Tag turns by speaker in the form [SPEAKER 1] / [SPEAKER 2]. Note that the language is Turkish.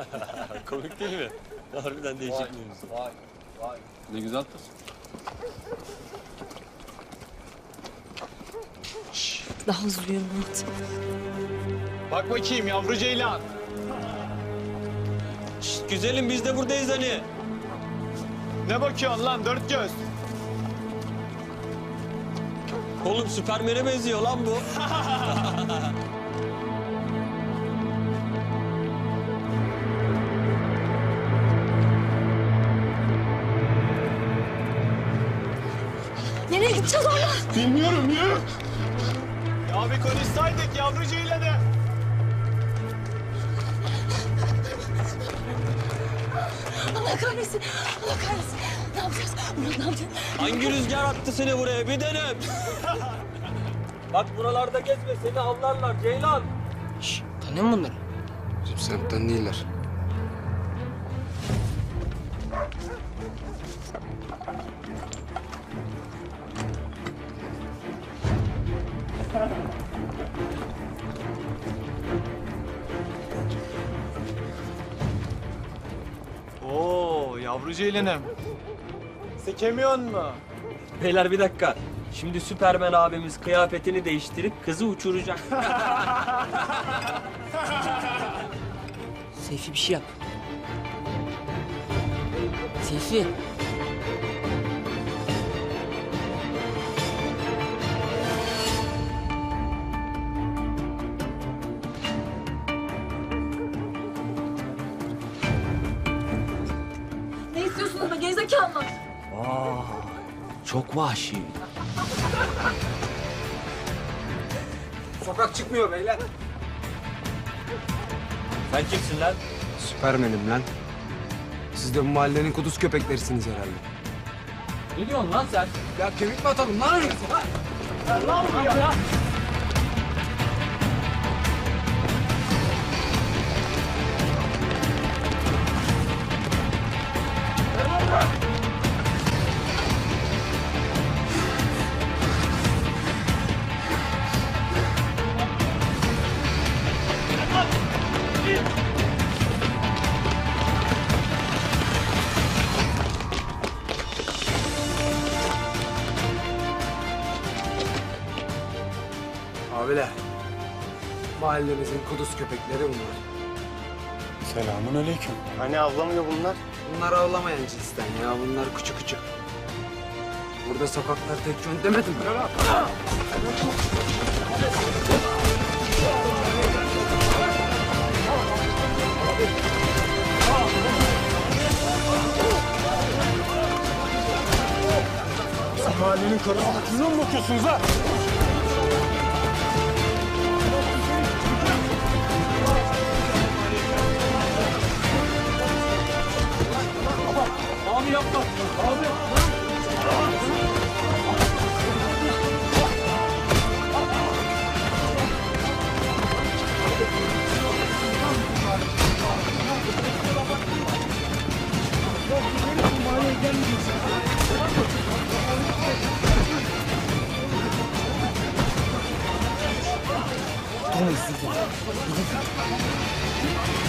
[SPEAKER 1] Komik değil mi? Harbiden değişik bir mevzu.
[SPEAKER 2] Vay.
[SPEAKER 1] Ne güzel kız.
[SPEAKER 3] Daha hızlı yürü Murat.
[SPEAKER 2] Bak bakayım yavru ceylan.
[SPEAKER 1] Şşt, güzelim biz de buradayız hani.
[SPEAKER 2] Ne bakıyorsun lan dört göz?
[SPEAKER 1] Oğlum Süpermen'e benziyor lan bu.
[SPEAKER 3] Nereye gideceğiz orada?
[SPEAKER 2] Bilmiyorum yürü. Ya bir konuşsaydık yavru ceylanı.
[SPEAKER 3] Allah kahretsin. Allah kahretsin. Ne yapacağız? Murat ne yapacağız?
[SPEAKER 1] Hangi rüzgar attı seni buraya bir denem. Bak buralarda gezme seni avlarlar Ceylan.
[SPEAKER 4] Şşş, tanıyor musun bunları?
[SPEAKER 5] Bizim semtten değiller.
[SPEAKER 2] Oo yavru ceylanım. Sekemiyor mu?
[SPEAKER 1] Beyler bir dakika. Şimdi Süpermen abimiz kıyafetini değiştirip kızı uçuracak.
[SPEAKER 4] Seyfi bir şey yap. Seyfi.
[SPEAKER 3] Ne istiyorsunuz be gerizekalılar?
[SPEAKER 1] Aa, çok vahşi.
[SPEAKER 5] Sokak çıkmıyor beyler.
[SPEAKER 1] Sen kimsin lan?
[SPEAKER 5] Süpermenim lan. Siz de bu mahallenin kuduz köpeklerisiniz herhalde.
[SPEAKER 1] Ne diyorsun lan sen?
[SPEAKER 5] Ya kemik mi atalım lan öyle? Abiler, mahallemizin kuduz köpekleri bunlar.
[SPEAKER 2] Selamun aleyküm. Hani avlamıyor bunlar?
[SPEAKER 5] Bunlar avlamayan cinsten ya, bunlar küçük küçük. Burada sokaklar tek yön demedim.
[SPEAKER 2] Mahallenin karısına kızına mı bakıyorsunuz ha?
[SPEAKER 1] Abi yapma. Abi.
[SPEAKER 4] Durmayın siz de. Gidin.